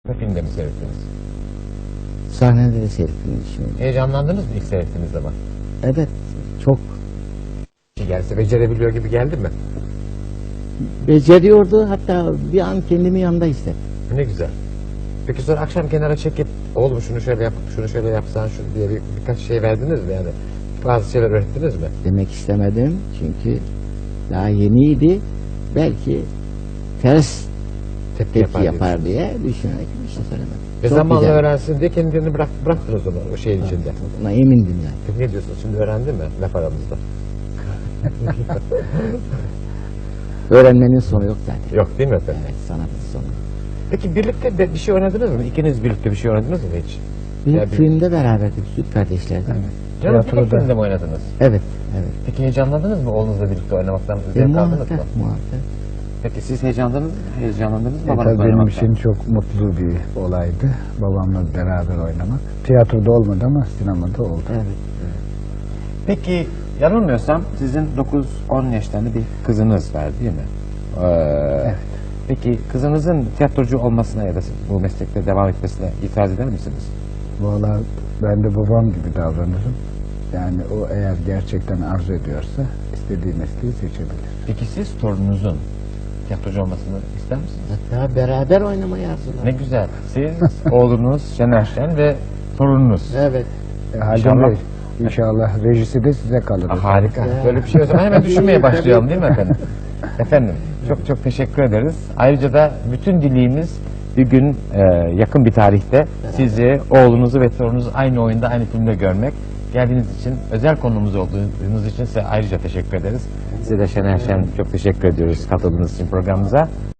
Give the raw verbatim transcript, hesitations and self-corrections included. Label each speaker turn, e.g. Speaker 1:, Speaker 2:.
Speaker 1: Filmde mi seyrettiniz?
Speaker 2: Sahnede de seyrettiğini düşünüyorum.
Speaker 1: Heyecanlandınız mı ilk seyrettiğiniz zaman?
Speaker 2: Evet, çok
Speaker 1: Gelse becerebiliyor gibi geldi mi?
Speaker 2: beceriyordu. Hatta bir an kendimi yanında hissettim.
Speaker 1: Ne güzel. Peki sonra akşam kenara çekip oğlum şunu şöyle yap, şunu şöyle yapsan şu diye bir, birkaç şey verdiniz mi yani? Bazı şeyler öğrettiniz mi?
Speaker 2: Demek istemedim çünkü daha yeniydi. Belki ters
Speaker 1: Tepki,
Speaker 2: tepki
Speaker 1: yapar,
Speaker 2: yapar diye düşünerek bir şey söylemedim.
Speaker 1: Ve
Speaker 2: Çok
Speaker 1: zamanla
Speaker 2: güzel.
Speaker 1: öğrensin diye kendini bırak, bıraktınız onu o şeyin içinde.
Speaker 2: Buna emindim yani.
Speaker 1: Peki ne diyorsunuz? Şimdi öğrendi mi laf aramızda?
Speaker 2: Öğrenmenin sonu yok zaten.
Speaker 1: Yok değil mi efendim?
Speaker 2: Evet, sanatın sonu.
Speaker 1: Peki birlikte de bir şey oynadınız mı? İkiniz birlikte bir şey oynadınız mı hiç?
Speaker 2: Bir
Speaker 1: Ya bir-
Speaker 2: filmde beraberdik, Süt Kardeşler'de. Evet.
Speaker 1: Canım
Speaker 3: Tiyatroda.
Speaker 1: filmde mi oynadınız?
Speaker 2: Evet, evet.
Speaker 1: Peki heyecanlandınız mı oğlunuzla birlikte oynamaktan?
Speaker 2: E,
Speaker 1: Zevk aldınız mı?
Speaker 2: muhakkak, muhakkak.
Speaker 1: Peki siz heyecanlandınız, heyecanlandınız mı?
Speaker 3: E,
Speaker 1: babanızla
Speaker 3: tabii benim
Speaker 1: oynamaktan?
Speaker 3: için çok mutlu bir olaydı. Babamla beraber oynamak. Tiyatroda olmadı ama sinemada oldu.
Speaker 2: Evet.
Speaker 1: Peki yanılmıyorsam sizin dokuz on yaşlarında bir kızınız var değil mi? Ee, Peki kızınızın tiyatrocu olmasına ya da bu meslekte devam etmesine itiraz eder misiniz?
Speaker 3: Valla ben de babam gibi davranırım. Yani o eğer gerçekten arzu ediyorsa istediği mesleği seçebilir.
Speaker 1: Peki siz torununuzun tiyatrocu olmasını ister misiniz?
Speaker 2: Hatta beraber oynamayı arzular.
Speaker 1: Ne güzel. Siz, oğlunuz Şener Şen ve torununuz.
Speaker 2: Evet.
Speaker 3: E, Haldun
Speaker 1: İnşallah.
Speaker 3: Bey, inşallah rejisi de size kalır.
Speaker 1: Ah, harika. Böyle bir şey olsa hemen düşünmeye başlayalım değil mi efendim? Efendim çok çok teşekkür ederiz. Ayrıca da bütün dileğimiz bir gün e, yakın bir tarihte sizi, oğlunuzu ve torununuzu aynı oyunda, aynı filmde görmek. Geldiğiniz için, özel konumuz olduğunuz için size ayrıca teşekkür ederiz. Size de Şener Şen çok teşekkür ediyoruz katıldığınız için programımıza.